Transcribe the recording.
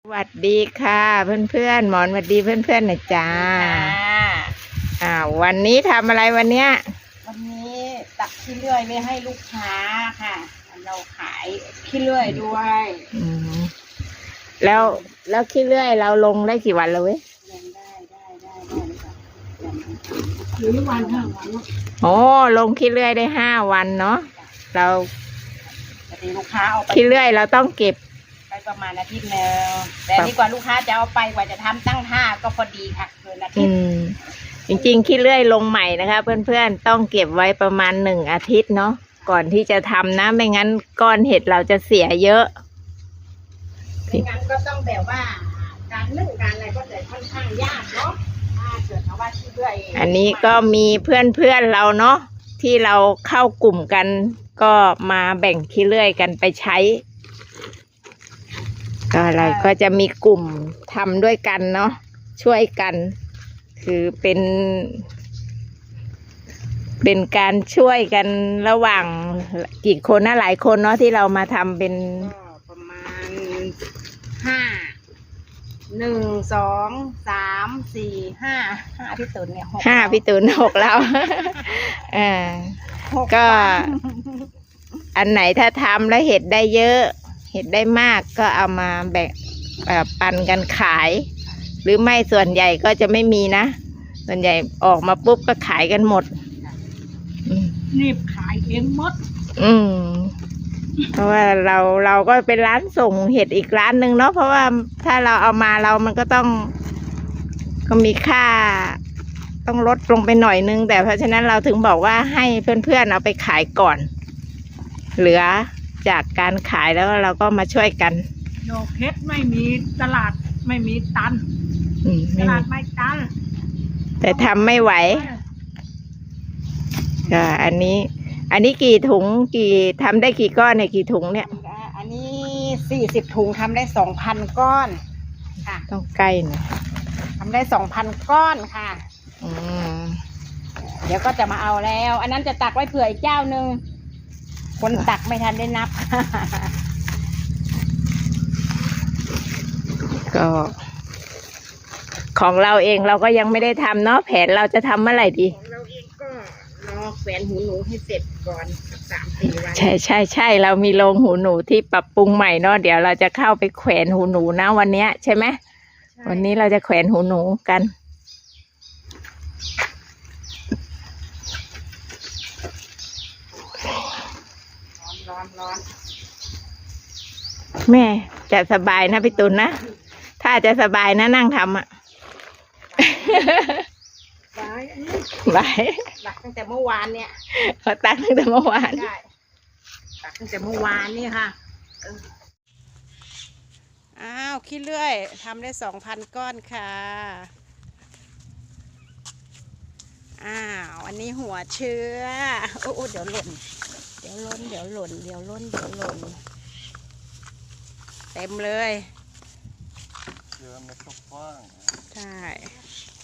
สวัสดีค่ะเพื่อนๆหมอนสวัสดีเพื่อนๆนะจ๊ะวันนี้ทำอะไรวันเนี้ยวันนี้ตักขี้เลื่อยไว้ให้ลูกค้าค่ะเราขายขี้เลื่อยด้วยแล้วขี้เลื่อยเราลงได้กี่วันแล้วเว้ยลงได้หรือวัน5 วันโอ้ลงขี้เลื่อยได้5 วันเนาะเราลูกค้าเอาไปขี้เลื่อยเราต้องเก็บไปประมาณอาทิตย์นึงแต่ดีกว่าลูกค้าจะเอาไปกว่าจะทำตั้ง5ก็พอดีค่ะเกินอาทิตย์จริงๆขี้เลื่อยลงใหม่นะคะเพื่อนๆต้องเก็บไว้ประมาณ1 อาทิตย์เนาะก่อนที่จะทำนะไม่งั้นก้อนเห็ดเราจะเสียเยอะไม่งั้นก็ต้องแบบว่าการนึ่งการอะไรก็จะค่อนข้างยากเนาะถ้าเกิดเขาว่าขี้เลื่อยอันนี้ก็มีเพื่อนๆเราเนาะที่เราเข้ากลุ่มกันก็มาแบ่งขี้เลื่อยกันไปใช้ก็อะไรก็จะมีกลุ่มทำด้วยกันเนาะช่วยกันคือเป็นการช่วยกันระหว่างกี่คนนะหลายคนเนาะที่เรามาทำเป็นประมาณ1 2 3 4 5พี่ตุนเนี่ย 5พี่ตุน6แล้วก็อันไหนถ้าทำแล้วเห็ดได้เยอะเห็ดได้มากก็เอามาแบ่งปันกันขายหรือไม่ส่วนใหญ่ก็จะไม่มีนะส่วนใหญ่ออกมาปุ๊บก็ขายกันหมดรีบขายเองหมดเพราะว่าเราก็เป็นร้านส่งเห็ดอีกร้านหนึ่งเนาะเพราะว่าถ้าเราเอามามันก็ต้องก็มีค่าต้องลดลงไปหน่อยนึงแต่เพราะฉะนั้นเราถึงบอกว่าให้เพื่อนๆเอาไปขายก่อนเหลือจากการขายแล้วเราก็มาช่วยกันโยกเพชรไม่มีตลาดไม่มีตันตลาดไม่ตันแต่ทำไม่ไหวก็อันนี้กี่ถุงทำได้กี่ก้อนเนี่ยกี่ถุงเนี่ยอันนี้40 ถุงทำได้ 2,000 ก้อนค่ะต้องใกล้หน่อยทำได้ 2,000 ก้อนค่ะเดี๋ยวก็จะมาเอาแล้วอันนั้นจะตักไว้เผื่ออีกเจ้านึงคนตักไม่ทันได้นับก็ของเราเองเราก็ยังไม่ได้ทำเนาะแผนเราจะทำเมื่อไหร่ดีเราเองก็รอแขวนหูหนูให้เสร็จก่อน3-4 วันใช่เรามีโรงหูหนูที่ปรับปรุงใหม่เนาะเดี๋ยวเราจะเข้าไปแขวนหูหนูนะวันนี้ใช่ไหมวันนี้เราจะแขวนหูหนูกันร้อนแม่จะสบายนะพี่ตุลนะถ้าจะสบายนะนั่งทำบ่ายตักตั้งแต่เมื่อวานเนี่ยเขาตักตั้งแต่เมื่อวานใช่ตักตั้งแต่เมื่อวานนี่ค่ะขี้เลื่อยทำได้ 2,000 ก้อนค่ะอันนี้หัวเชื้อโอ้เดี๋ยวหล่นเต็มเลยเชื้อเม็ดกว้างใช่